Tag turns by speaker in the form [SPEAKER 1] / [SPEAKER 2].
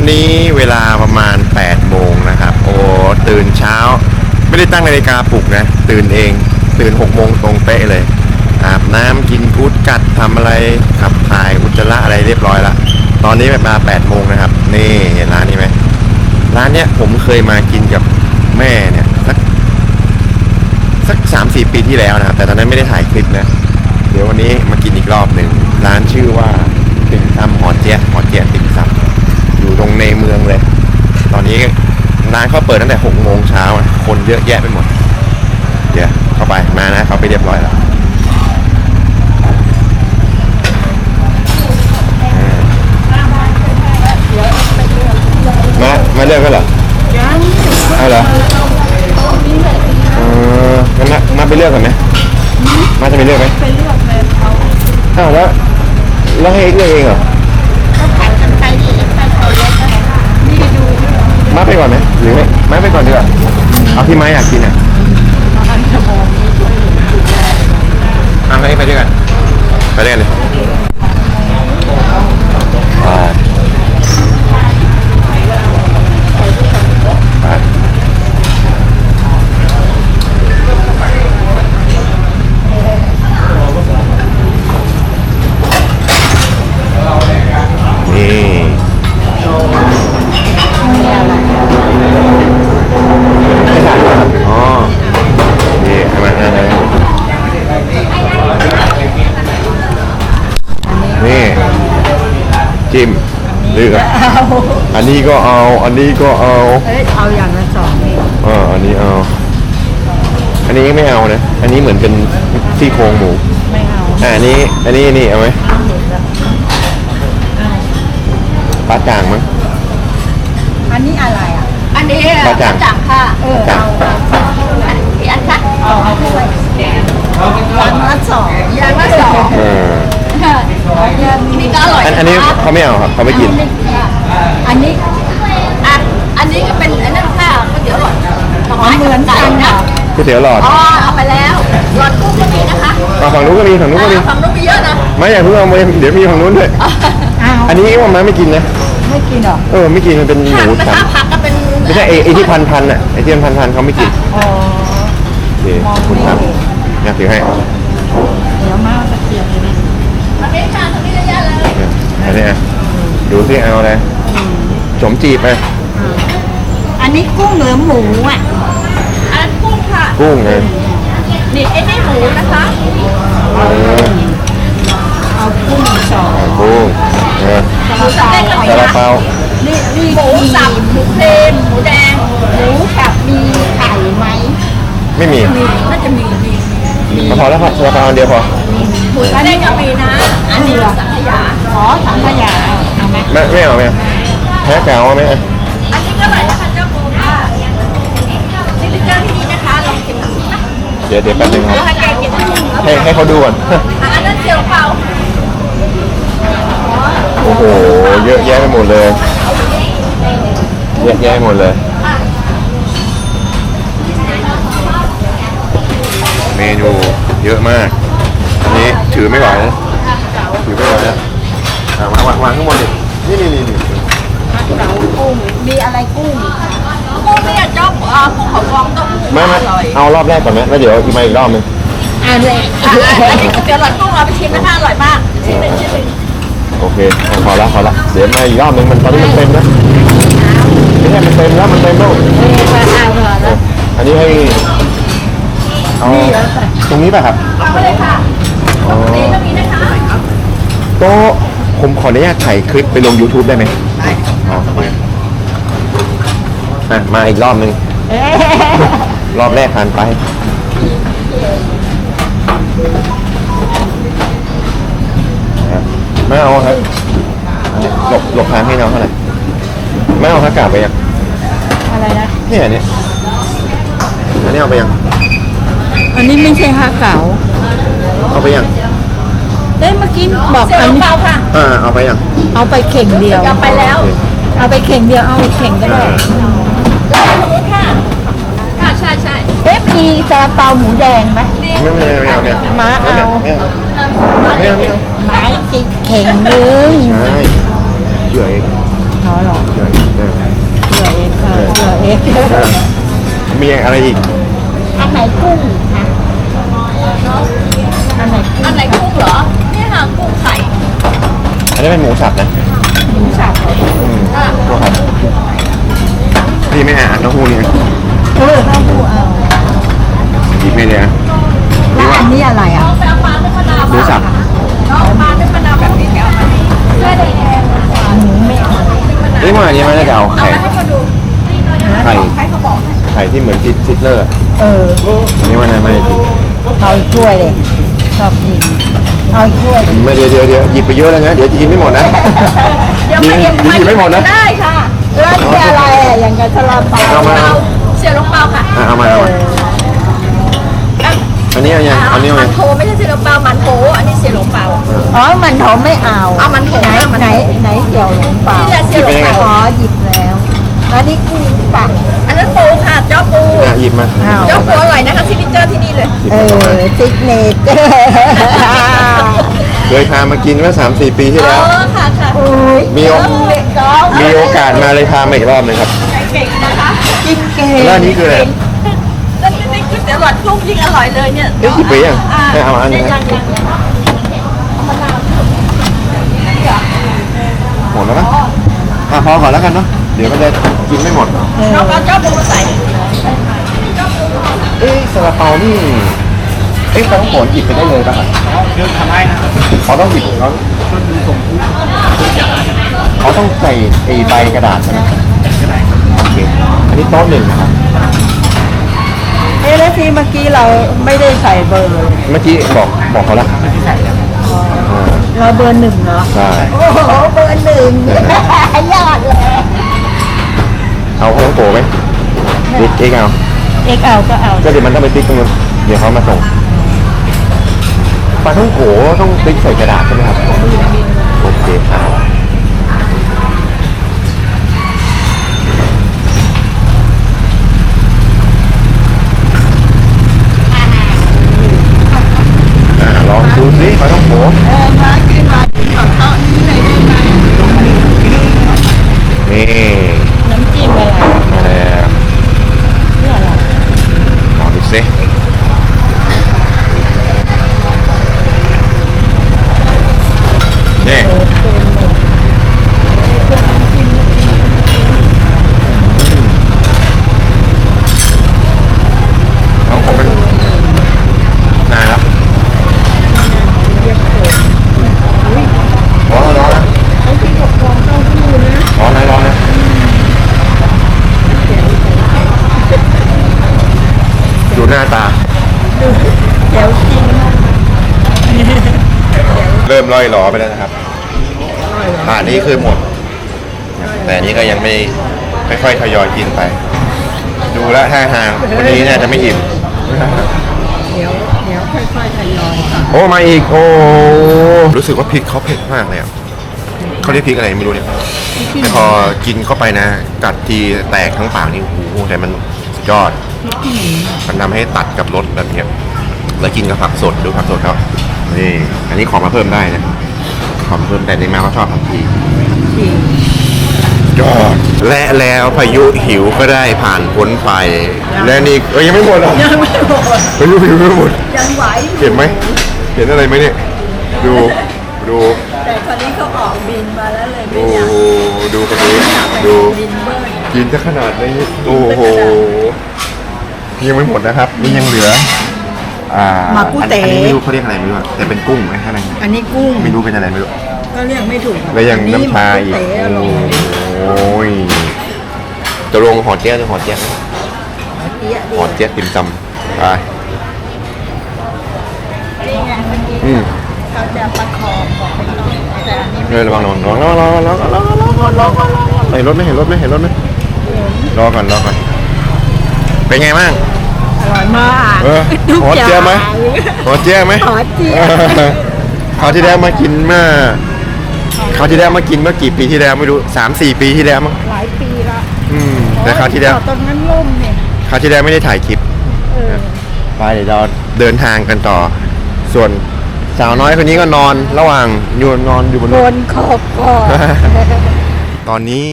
[SPEAKER 1] นี้เวลาประมาณ8โมงนะครับโอ้ตื่นเช้าไม่ได้ตั้งนาฬิกาปลุกนะตื่นเองตื่น6โมงตรงเป๊ะเลยอาบน้ำกินกู๊ดกัดทำอะไรขับถ่ายอุจจาระอะไรเรียบร้อยละตอนนี้เวลา8โมงนะครับนี่เห็นร้านนี้ไหมร้านเนี้ยผมเคยมากินกับแม่เนี่ยสัก 3-4 ปีที่แล้วนะครับแต่ตอนนั้นไม่ได้ถ่ายคลิปนะเดี๋ยววันนี้มากินอีกรอบหนึ่งร้านชื่อว่าติ่มซำหอเจี๊ยะติ่มซำอยู่ตรงในเมืองเลยตอนนี้ร้านเขาเปิดตั้งแต่6โมงเช้าคนเยอะแยะไปหมดเดี๋ยวเข้าไปมานะเขาไปเรียบร้อยแล้วมาเลือกกันเหรอเอาเหรองั้นมาไปเลือกกันไหมมาจะไปเลือกไหมไปเลือกเลยเอาแล้วให้เลือกเองเหรอมาไปก่อนไหมหรือไม่มาไปก่อนดีกว่าเอาที่ไม้อยากกินอ่ะเอาให้ไปด้วยกันไปด้วยกันเลยจิ้มเลือกอันนี้ก็เอาอันนี้ก็เอา
[SPEAKER 2] เอาอย่างละ2นี่
[SPEAKER 1] อันนี้เอาอันนี้ไม่เอานะอันนี้เหมือนเป็นซี่โครงหมู
[SPEAKER 2] ไม่เอา
[SPEAKER 1] อันนี้นี่เอาไหมปลาจ่างมั้ง
[SPEAKER 2] อันนี้อะไรอ่ะ
[SPEAKER 3] อันนี้
[SPEAKER 1] ปลาจ่าง
[SPEAKER 3] ค่ะ
[SPEAKER 1] จ่าง
[SPEAKER 3] กี่อันคะ
[SPEAKER 2] เอาถ้วยอย่างละ2
[SPEAKER 3] อย่างละ2นี่ก็อร่อย
[SPEAKER 1] อันนี้เขาไม่เอาครับเขาไม่กิน
[SPEAKER 2] อันนี้
[SPEAKER 3] อันนี้ก็เป็นอันนั้นค่ะก๋วยเตี๋ยวหลอด
[SPEAKER 2] เหมือนกันค่ะ
[SPEAKER 1] ก๋วยเตี๋ยวหลอด
[SPEAKER 3] เอาไปแล้วหลอดกุ้งก็มีนะคะ
[SPEAKER 1] ฝั่งนู้นก็มีฝั่งนู้นก็มี
[SPEAKER 3] ฝั่งนู้นมีเยอะนะ
[SPEAKER 1] ไม่อยากเพิ่งเอามาเดี๋ยวมีฝั่งนู้นด้วยอันนี้ว่ามันไม่กินนะ
[SPEAKER 2] ไม่กินหรอ
[SPEAKER 1] ไม่กินมันเป็นหมูสัน
[SPEAKER 3] ผักก็เป็น
[SPEAKER 1] ไม่ใช่ไอ้ที่พันอ่ะไอ้ที่พันเขาไม่กินโอเคคุณครับอยากถือให้
[SPEAKER 2] เดี๋ยวมาตะเกียบเลย
[SPEAKER 3] ตรงนี้ค่ะตรงนี้เยอะเลย
[SPEAKER 1] อันนี้ดูซิเอาอะไรสมจีบไป
[SPEAKER 2] อันนี้กุ้งหรือหมูอ่ะ
[SPEAKER 3] อันนั้นกุ้งค่ะ
[SPEAKER 1] กุ้งไง
[SPEAKER 3] นี่ไอ้นี่หมูนะคะ
[SPEAKER 2] เอากุ้ง2
[SPEAKER 1] กุ้ง
[SPEAKER 3] หมูสับ
[SPEAKER 1] ซาลาเปา
[SPEAKER 2] นี่
[SPEAKER 3] หมูสับหมูเค็มหมูแดง
[SPEAKER 2] หมูสับมีไข่ไหม
[SPEAKER 1] ไม่มี
[SPEAKER 3] น่าจะมี
[SPEAKER 1] พอแล้วครับซาลาเปาอันเดียวพอ
[SPEAKER 3] หมูแดงก็มีนะอันนี้สังขยา
[SPEAKER 2] สังขยาเอาไหม
[SPEAKER 1] ไม่เอาแพ้แก้วไหม
[SPEAKER 3] อันนี้ก็อร่อยนะคะเจ้าโบค่ะนี่เป็นเจ้าที่นี่นะคะลองกินดูนะ
[SPEAKER 1] เดี๋ยวแป๊บนึงครับให้เขาดูก่อน
[SPEAKER 3] อันนั้นเจียวเปล่า
[SPEAKER 1] โอ้โหเยอะแยะไปหมดเลยเยอะแยะหมดเลยเมนูเยอะมากนี่ถือไม่ไหวนะถือไม่ไหวแล้ววางข้างบนดินี่
[SPEAKER 2] เก๋ากุ้งมีอะไรกุ้ง
[SPEAKER 3] กุ้งเนี่ยเจ้ากุ้งเขาฟองต้ม
[SPEAKER 1] ไม่เอารอบแรกก่อนไหมแล้วเดี๋ยวอีกมาอีกรอบนึง
[SPEAKER 3] อันนี้ก๋วยเตี๋ยวหลอดกุ้งเราไปชิมนะคะอร่อยมากชิ้นหนึ่ง
[SPEAKER 1] โอเคพอละเดี๋ยวมาอีกรอบนึงมันตอนนี้มันเต็มนะไม่ใช่มันเต็มแล้วมันเต็มแล้วอันนี้ให้เอาตรงนี้ป่ะครับ
[SPEAKER 3] เอาไปเลยค่ะตรงนี้ก็มีนะคะ
[SPEAKER 1] ก็ผมขออนุญาตถ่ายคลิปไปลง YouTube ได้ไหมได้มาอีกรอบนึงรอบแรกผ่านไปไม่เอาครับหลบทางให้น้องเท่าไหร่ไม่เอาครับกลับไปยัง
[SPEAKER 2] อะไรนะ
[SPEAKER 1] เนี่ยอันนี้เอาไปยัง
[SPEAKER 2] อันนี้ไม่ใช่ฮะเก๋า
[SPEAKER 1] เอาไปยัง
[SPEAKER 2] เมื่อกี้บอก
[SPEAKER 3] อันนี้ค่ะ
[SPEAKER 1] เอาไปยัง
[SPEAKER 2] เอาไปเข่งเดียว
[SPEAKER 3] เอาไปแล้ว
[SPEAKER 2] เอาไปเข่งเดียวเอาเข่งก็ได้
[SPEAKER 3] ค่ะใช่
[SPEAKER 2] มีซาลาเปาหมูแดงไหม
[SPEAKER 1] ไม่เอา
[SPEAKER 2] มาเอา
[SPEAKER 1] ไม่เอา
[SPEAKER 2] ไม้ติดเข่งนึง
[SPEAKER 1] ใช่เฉย
[SPEAKER 2] หรอก
[SPEAKER 1] มีอะไรอีก
[SPEAKER 2] อันไหนกุ้งคะอันไหน
[SPEAKER 3] อันไหนกุ้งเหรอเนี่ยค่ะกุ้งไข่
[SPEAKER 1] อันนี้เป็นหมูสับนะ
[SPEAKER 2] หมูสับ
[SPEAKER 1] ตัวครับพี่ไม่อ่านเต้าหู้นี่
[SPEAKER 2] เออเต้าหู้เอา
[SPEAKER 1] หยิบไม่เลยนะ
[SPEAKER 2] แล้วอันนี้อะไรอ่ะ
[SPEAKER 3] เอาไปเอาปลาด้วยมะนาว
[SPEAKER 1] หมูสับ
[SPEAKER 3] น้องปลาด้วยมะนาวแบบนี้แกเอามาเพื่อแดง
[SPEAKER 2] หมูไม่เอา
[SPEAKER 1] นี่ว่าอันนี้มันน่าจะเอา
[SPEAKER 3] เอา
[SPEAKER 1] ไข่
[SPEAKER 3] มาให้เขาดู
[SPEAKER 1] ไข่
[SPEAKER 3] ใครเขาบอก
[SPEAKER 1] ไข่ที่เหมือนซิดเลอร์
[SPEAKER 2] เออ
[SPEAKER 1] อันนี้มันไม่ได้กิน
[SPEAKER 2] เอาอีกถ้วยเลยชอบกินเอาอีกถ้วย
[SPEAKER 1] ไม่เดี๋ยวหยิบไปเยอะแล้วนะเดี๋ยวจะกินไม่หมดนะ
[SPEAKER 3] เดี๋ยว
[SPEAKER 1] หยิบไม่หมดนะ
[SPEAKER 3] ได้ค่ะ
[SPEAKER 2] แล้วนี่อะไรอ่ะอย่างกับซาลาเปา
[SPEAKER 1] เอามา
[SPEAKER 3] เอาเสียลงเปาค่ะ
[SPEAKER 1] เอามาอันนี้เอายังอันนี้เอา
[SPEAKER 3] มั
[SPEAKER 1] ยั
[SPEAKER 3] น
[SPEAKER 1] ง
[SPEAKER 3] โถไม่ใช่เสียลงเปามันโถอันนี้เสียลงเปา
[SPEAKER 2] อ๋อมันโถไม่เอา
[SPEAKER 3] เอามันโถ
[SPEAKER 2] ไหน
[SPEAKER 3] มันโถ
[SPEAKER 2] ไหนเกี่ยวหลงเปล่า
[SPEAKER 3] นี่แหละเสียลงเปา
[SPEAKER 2] อ๋อหยิบแล้วแล้วนี่กุ้งปัก
[SPEAKER 3] อันนั้นปูค่ะเจ้าปู
[SPEAKER 1] หยิบมา
[SPEAKER 2] อ้าว
[SPEAKER 3] เจ้าปูอร่อยนะคะซิกเนเจอร์ที่นี่เลย
[SPEAKER 2] เออซิกเนเจอร์
[SPEAKER 1] เคยพามากินเมื่อ 3-4 ปีที่แล้ว
[SPEAKER 3] ค่ะค่ะ
[SPEAKER 2] อุ้ย
[SPEAKER 1] มีโอ
[SPEAKER 2] เด็กน้อง
[SPEAKER 1] มีโอกาสมาเลยพามาอีกรอบหนึงครับ
[SPEAKER 3] เก่งนะคะ
[SPEAKER 2] กินเก่ง
[SPEAKER 1] แล้วอันนี้คืออะไร
[SPEAKER 3] แล้วนี่ก๋วยเตี๋ยวหลอดกุ้งยิ่งอร่อยเลยเนี่ย
[SPEAKER 1] เอ๊ะหยิบไปยังไม่เอาอันนี้
[SPEAKER 3] ยั
[SPEAKER 1] นะ
[SPEAKER 3] ง
[SPEAKER 1] หมดแล้วปะพอก่อนแล้วกันเนาะเดี๋ยวมันจะกินไม่หมด
[SPEAKER 3] น้องเอาเจ้าปูมาใส่
[SPEAKER 1] เอ๊ะซาลาเปานี่เอ๊ะต้องโขนหยิบไปได้เลยป่ะครับ
[SPEAKER 4] เรื่องทำให้นะ
[SPEAKER 1] เขาต้องหยิบเขา
[SPEAKER 4] ต้นทุนส่งทุก
[SPEAKER 1] เขาต้องใส่ไอ้ใบกระดาษใช่ไหมโอเคอันนี้โต๊ะหนึ่งนะครับ
[SPEAKER 2] เอ๊ะแล้วที่เมื่อกี้เราไม่ได้ใส่เบอร์เลย
[SPEAKER 1] เมื่อกี้บอกเขาละ
[SPEAKER 4] ที่ใส่แล้ว
[SPEAKER 2] เราเบอร์หนึ่งเหรอ
[SPEAKER 1] ใช่
[SPEAKER 2] โอ้โหเบอร์หนึ่งยอดเลย
[SPEAKER 1] เอาข้าวโพดไหมติ๊กเองเอา
[SPEAKER 2] เอ็กเอาก็เอา
[SPEAKER 1] ก็เดี๋ยวมันต้องไปติ๊กตรงนู้นเดี๋ยวเขามาส่งปลาท่องโขต้องติ๊กใส่กระดาษใช่ไหมครับโอเคครับลองดูสิปลาท่องโข
[SPEAKER 2] มากินของโต๊ะนี้เลยได้ไหม
[SPEAKER 1] นี่
[SPEAKER 2] น้ำจิ้มอะไร
[SPEAKER 1] มาแล้ว
[SPEAKER 2] เนี่ยอะไร
[SPEAKER 1] ลองดูสินี่เอาผมเป็นนานแล้วร้อนนะ
[SPEAKER 2] ไอ้ที่กับฟองเต้าหู้นะ
[SPEAKER 1] ร้อนนะดูหน้าตา
[SPEAKER 2] เดี๋ยวจริง
[SPEAKER 1] เริ่มล่อยหลอไปแล้วนะครับอันนี้คือหมด แต่อันนี้ก็ยังไม่ค่อยๆทยอยกินไป ดูแล้วท่าทางวันนี้น่าจะไม่อิ่ม
[SPEAKER 2] เดี๋ยวค่อยๆทยอยค่ะ
[SPEAKER 1] โอ้มาอีกโอ้รู้สึกว่าพริกเขาเผ็ดมากเลยอ่ะเขาเรียกพริกอะไรไม่รู้เนี่ยแต่พอกินเข้าไปนะ กัดทีแตกทั้งปากนี่โอ้โหแต่มันสุดยอด มันทำให้ตัดกับรสแบบเนี้ยแล้วกินกับผักสดดูผักสดเขานี่อันนี้ขอมาเพิ่มได้นะขอมาเพิ่มแต่ในมาเขาชอบผักชียอดและแล้วพายุหิวก็ได้ผ่านพ้นไป และนี่ยังไม่หมดหรอ
[SPEAKER 2] ยังไม่หมด
[SPEAKER 1] พายุหิวไม่หมด
[SPEAKER 2] ยังไหว
[SPEAKER 1] เห็นไหมเห็นอะไรไหมเนี่ยดูดู
[SPEAKER 2] แต่คนนี้เขาออกบินมาแล้วเลยไม่
[SPEAKER 1] โอ้
[SPEAKER 2] อยาก
[SPEAKER 1] ดูคนนี้ดู
[SPEAKER 2] บินเบิ้ล
[SPEAKER 1] กินจะขนาดนี้โอ้โหยังไม่หมดนะครับนี่ยังเหลือ
[SPEAKER 2] มากุเต๋
[SPEAKER 1] อันนี้ไม่รู้เขาเรียกอะไรไม่รู้อะแต่เป็นกุ้งไหมข้างใน
[SPEAKER 2] อันนี้กุ้ง
[SPEAKER 1] ไม่รู้เป็นอะไรไม่รู้
[SPEAKER 2] ก็เรียกไม่ถูก
[SPEAKER 1] แล้วยังน้ำชาอีก
[SPEAKER 2] เต๋อลง
[SPEAKER 1] โอ้ยจะลงหอเจี๊ยบหรือหอเจี๊ยบ
[SPEAKER 2] เตี้ย
[SPEAKER 1] หอเจี๊ยบติ่มซำไป
[SPEAKER 2] นี่ไงเมื่อกี้
[SPEAKER 1] อืม
[SPEAKER 2] เขาจะประคองบอกไปก่อนแต่อันนี้
[SPEAKER 1] เฮ้ยระวังระวังเห็นรถไหมเห็นรถไหมเห็นรถไหมรอก่อนเป็นไงบ้าง
[SPEAKER 2] อร่อยมาก ทุก
[SPEAKER 1] หอ
[SPEAKER 2] อย่าง
[SPEAKER 1] เจี๊ยบไหมหอเจี๊ยบไหม
[SPEAKER 2] หอเจี๊ยบ
[SPEAKER 1] คราวที่แล้วมากินเมื่อคราวที่แล้วมากินเมื่อกี่ปีที่แล้วไม่รู้3-4 ปีที่แล้วมั้ง
[SPEAKER 2] หลายปีละ
[SPEAKER 1] แต่คราวที่แล้ว
[SPEAKER 2] ตอนนั้นล่มเนี่ย
[SPEAKER 1] คราวที่แล้วไม่ได้ถ่ายคลิป
[SPEAKER 2] เออ
[SPEAKER 1] ไปเดี๋ยวเราเดินทางกันต่อ ส่วนสาวน้อยคนนี้ก็นอนระหว่างนอนอยู่บน
[SPEAKER 2] บนขอบก่อน
[SPEAKER 1] ตอนนี้